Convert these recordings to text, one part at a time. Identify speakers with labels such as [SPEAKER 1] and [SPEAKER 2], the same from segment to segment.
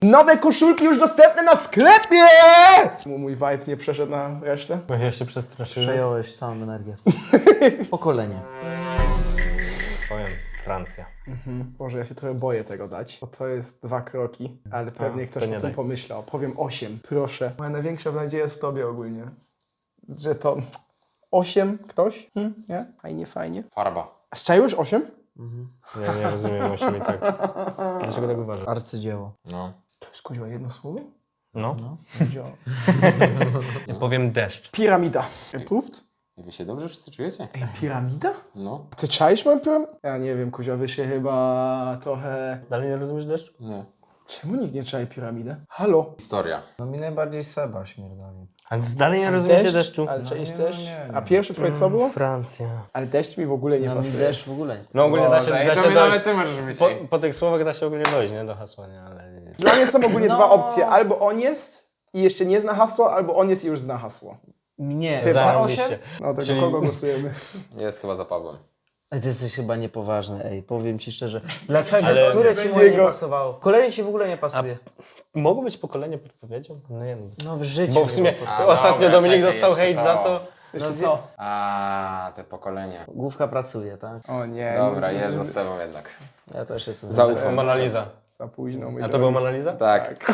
[SPEAKER 1] Nowe koszulki już dostępne na sklepie! Mój vibe nie przeszedł na resztę.
[SPEAKER 2] Bo ja się przestraszyłem.
[SPEAKER 3] Przejąłeś całą energię. Pokolenie.
[SPEAKER 2] Powiem, Francja.
[SPEAKER 1] Boże, ja się trochę boję tego dać, bo to jest 2 kroki, ale pewnie ktoś
[SPEAKER 2] to nie
[SPEAKER 1] o tym
[SPEAKER 2] daj.
[SPEAKER 1] pomyślał. Powiem 8, proszę. Moja największa nadzieja jest w tobie ogólnie. Że to 8 ktoś? Nie? Fajnie, fajnie.
[SPEAKER 4] Farba.
[SPEAKER 1] A strzeliłeś 8?
[SPEAKER 2] Ja nie rozumiem, musimy tak. Dlaczego tak uważasz?
[SPEAKER 3] Arcydzieło.
[SPEAKER 4] No.
[SPEAKER 1] To jest kuźwa jedno słowo?
[SPEAKER 2] No.
[SPEAKER 1] Działa.
[SPEAKER 2] Ja powiem deszcz.
[SPEAKER 1] Piramida. Approved?
[SPEAKER 4] I wy się dobrze wszyscy czujecie?
[SPEAKER 1] Ej, piramida?
[SPEAKER 4] No.
[SPEAKER 1] Ty czaisz moją piramidę? Ja nie wiem, Kuzia, wy się chyba trochę...
[SPEAKER 2] Dalej nie rozumiesz deszczu?
[SPEAKER 4] Nie.
[SPEAKER 1] Czemu nikt nie czai piramidę? Halo?
[SPEAKER 4] Historia.
[SPEAKER 3] No mi najbardziej Seba śmierdali.
[SPEAKER 2] Ale dalej nie rozumiecie deszczu?
[SPEAKER 1] Ale czaisz
[SPEAKER 3] nie,
[SPEAKER 1] też?
[SPEAKER 3] nie.
[SPEAKER 1] A pierwsze twoje co było?
[SPEAKER 2] Francja.
[SPEAKER 1] Ale deszcz mi w ogóle nie
[SPEAKER 3] No mi
[SPEAKER 1] pasuje.
[SPEAKER 3] też w ogóle nie.
[SPEAKER 2] No ogólnie da się
[SPEAKER 4] Ej, to
[SPEAKER 2] dojść.
[SPEAKER 4] nawet ty możesz być.
[SPEAKER 2] Po tych słowach da się ogólnie dojść, nie? Do hasła, nie? Ale nie.
[SPEAKER 1] Dla mnie są ogólnie
[SPEAKER 3] No.
[SPEAKER 1] 2 opcje. Albo on jest i jeszcze nie zna hasła, albo on jest i już zna hasło.
[SPEAKER 3] Nie,
[SPEAKER 1] Chyba.
[SPEAKER 3] za 8?
[SPEAKER 2] Zarobiście.
[SPEAKER 1] No to
[SPEAKER 2] Czyli-
[SPEAKER 1] kogo głosujemy?
[SPEAKER 4] Jest chyba za Pawłem.
[SPEAKER 3] Ty jesteś chyba niepoważny, ej, powiem ci szczerze. Dlaczego?
[SPEAKER 2] Ale-
[SPEAKER 3] Które ci
[SPEAKER 1] Będzie
[SPEAKER 3] moje nie
[SPEAKER 1] go-
[SPEAKER 3] pasowało? Kolejny ci w ogóle nie pasuje.
[SPEAKER 2] Mogło być pokolenie podpowiedzią? No nie wiem.
[SPEAKER 3] No w życiu.
[SPEAKER 2] Bo w sumie
[SPEAKER 4] A,
[SPEAKER 2] ostatnio
[SPEAKER 4] dobra,
[SPEAKER 2] Dominik
[SPEAKER 4] czekaj,
[SPEAKER 2] dostał
[SPEAKER 4] jeszcze
[SPEAKER 2] hejt
[SPEAKER 4] to.
[SPEAKER 2] za to.
[SPEAKER 3] No co?
[SPEAKER 4] A, te pokolenie.
[SPEAKER 3] Główka pracuje, tak?
[SPEAKER 1] O nie.
[SPEAKER 4] Dobra,
[SPEAKER 1] no,
[SPEAKER 4] jest za sobą jednak.
[SPEAKER 3] Ja też jestem
[SPEAKER 4] Zaufam.
[SPEAKER 2] Mona Lisa.
[SPEAKER 1] Za późno. mój
[SPEAKER 2] A to
[SPEAKER 1] drogi.
[SPEAKER 2] była Mona Lisa?
[SPEAKER 4] Tak.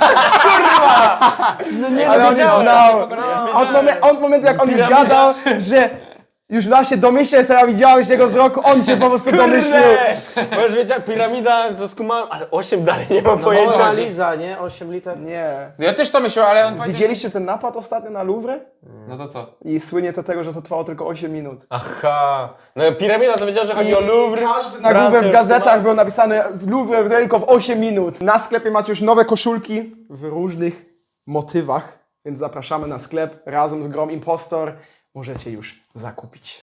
[SPEAKER 1] Ale on już znał. Od momentu jak on już
[SPEAKER 2] Piramida.
[SPEAKER 1] gadał, że już da się domyśleć, teraz widziałeś jego wzroku, on się po prostu domyślił.
[SPEAKER 2] Bo już wiedział, piramida to skumałem, ale 8 dalej nie mam
[SPEAKER 3] No
[SPEAKER 2] pojęcia.
[SPEAKER 3] Mona Lisa, nie? 8 liter.
[SPEAKER 1] Nie.
[SPEAKER 4] No ja też to myślałem, ale on powiedział...
[SPEAKER 1] Widzieliście ten napad ostatnio na Louvre?
[SPEAKER 4] No to co?
[SPEAKER 1] I słynie to tego, że to trwało tylko 8 minut.
[SPEAKER 2] Aha. No piramida to wiedział, że chodzi o Louvre.
[SPEAKER 1] Każdy na
[SPEAKER 2] Francja
[SPEAKER 1] Louvre w
[SPEAKER 2] już
[SPEAKER 1] gazetach
[SPEAKER 2] ma-
[SPEAKER 1] było napisane w Louvre tylko w 8 minut. Na sklepie macie już nowe koszulki w różnych motywach, więc zapraszamy na sklep razem z Grom Impostor. Możecie już zakupić.